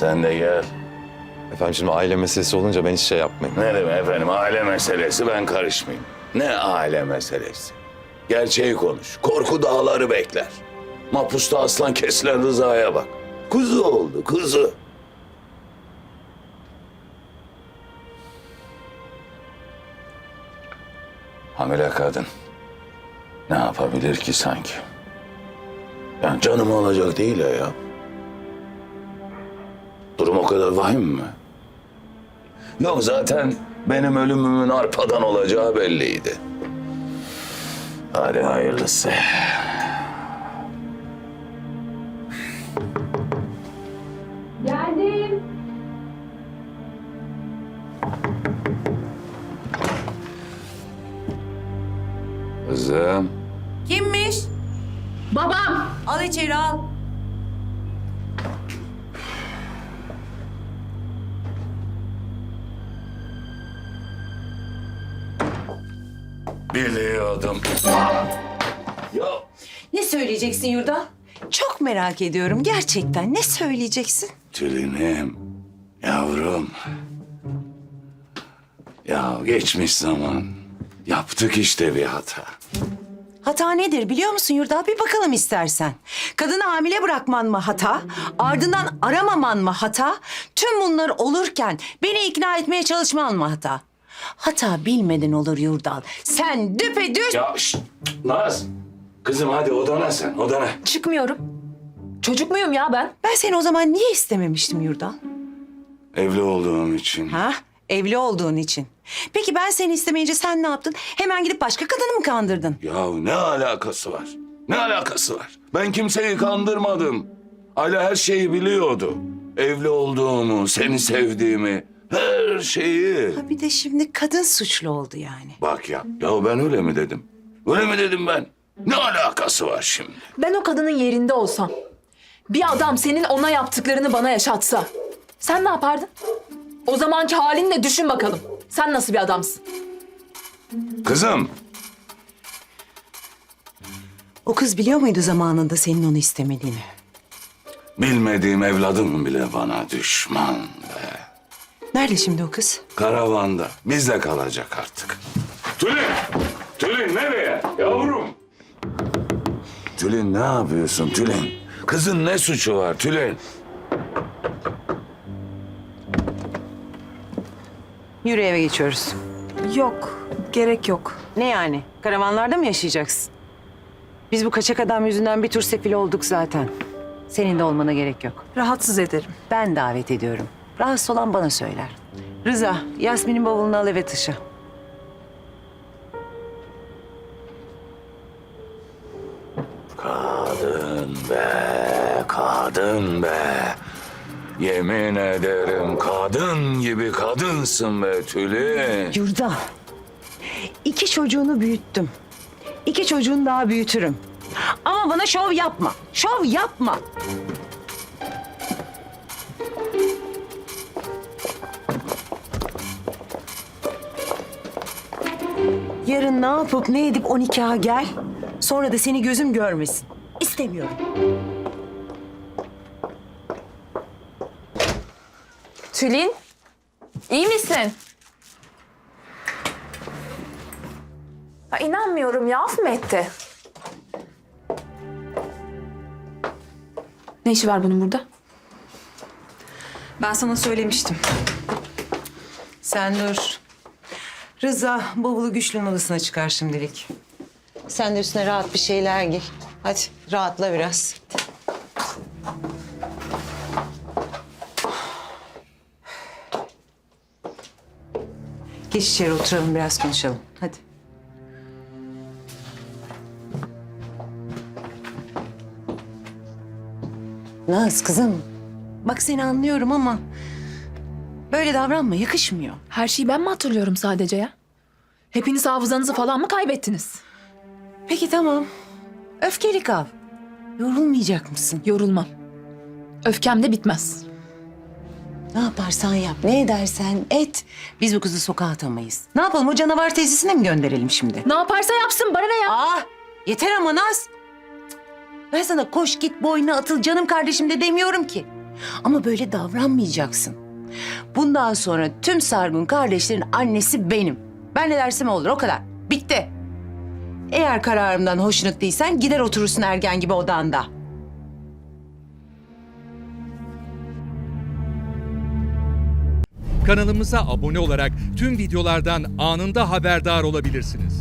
Sen de gel. Efendim şimdi aile meselesi olunca ben hiç şey yapmayayım. Ne demek efendim, aile meselesi, ben karışmayayım. Ne aile meselesi? Gerçeği konuş. Korku dağları bekler. Mapusta aslan kesilen Rıza'ya bak. Kuzu oldu, kuzu. Hamile kadın ne yapabilir ki sanki? Yani canımı alacak değil ya. Durum o kadar vahim mi? Yok, zaten benim ölümümün arpadan olacağı belliydi. Hadi hayırlısı. Geldim. Kızım. Kimmiş? Babam. Al içeri al. Biliyordum. Ya Ne söyleyeceksin Yurda? Çok merak ediyorum gerçekten. Ne söyleyeceksin? Tülinim, yavrum. Ya geçmiş zaman. Yaptık işte bir hata. Hata nedir biliyor musun Yurda? Bir bakalım istersen. Kadını hamile bırakman mı hata? Ardından aramaman mı hata? Tüm bunlar olurken beni ikna etmeye çalışman mı hata? Hata bilmeden olur Yurdal. Sen düpedüz... Ya şşt, Naz. Kızım hadi odana sen, odana. Çıkmıyorum. Çocuk muyum ya ben? Ben seni o zaman niye istememiştim Yurdal? Evli olduğum için. Ha? Evli olduğun için. Peki ben seni istemeyince sen ne yaptın? Hemen gidip başka kadını mı kandırdın? Ya ne alakası var? Ne alakası var? Ben kimseyi kandırmadım. Ayla her şeyi biliyordu. Evli olduğumu, seni sevdiğimi, her şeyi. Ha bir de şimdi kadın suçlu oldu yani. Bak ya ben öyle mi dedim? Öyle mi dedim ben? Ne alakası var şimdi? Ben o kadının yerinde olsam, bir adam senin ona yaptıklarını bana yaşatsa, sen ne yapardın? O zamanki halinle düşün bakalım. Sen nasıl bir adamsın? Kızım. O kız biliyor muydu zamanında senin onu istemediğini? Bilmediğim evladım bile bana düşman be. Nerede şimdi o kız? Karavanda. Bizde kalacak artık. Tülin! Tülin nereye? Yavrum! Tülin ne yapıyorsun Tülin? Kızın ne suçu var Tülin? Yürü eve geçiyoruz. Yok, gerek yok. Ne yani? Karavanlarda mı yaşayacaksın? Biz bu kaçak adam yüzünden bir tur sefil olduk zaten. Senin de olmana gerek yok. Rahatsız ederim. Ben davet ediyorum. Rahatsız olan bana söyler. Rıza, Yasmin'in bavulunu al eve taşı. Kadın be, kadın be. Yemin ederim kadın gibi kadınsın be Tülin. Yurda, 2 çocuğunu büyüttüm. 2 çocuğunu daha büyütürüm. Ama bana şov yapma. Şov yapma. Yarın ne yapıp ne edip 12'a gel. Sonra da seni gözüm görmesin. İstemiyorum. Tülin, iyi misin? Ya inanmıyorum ya, af mı etti? Ne işi var bunun burada? Ben sana söylemiştim. Sen dur. Rıza bavulu Güçlü'nün odasına çıkar şimdilik. Sen de üstüne rahat bir şeyler giy. Hadi rahatla biraz. Geç içeri oturalım biraz konuşalım. Hadi. Naz kızım. Bak seni anlıyorum ama böyle davranma, yakışmıyor. Her şeyi ben mi hatırlıyorum sadece ya? Hepiniz hafızanızı falan mı kaybettiniz? Peki tamam. Öfkeli kal. Yorulmayacak mısın? Yorulmam. Öfkem de bitmez. Ne yaparsan yap, ne edersen et. Biz bu kızı sokağa atamayız. Ne yapalım, o canavar tesisine mi gönderelim şimdi? Ne yaparsa yapsın, bana ne ya? Aa, yeter ama Naz. Ben sana koş git boynuna atıl canım kardeşim de demiyorum ki. Ama böyle davranmayacaksın. Bundan sonra tüm Sargun kardeşlerin annesi benim. Ben ne dersem olur, o kadar. Bitti. Eğer kararımdan hoşnut değilsen gider oturursun ergen gibi odanda. Kanalımıza abone olarak tüm videolardan anında haberdar olabilirsiniz.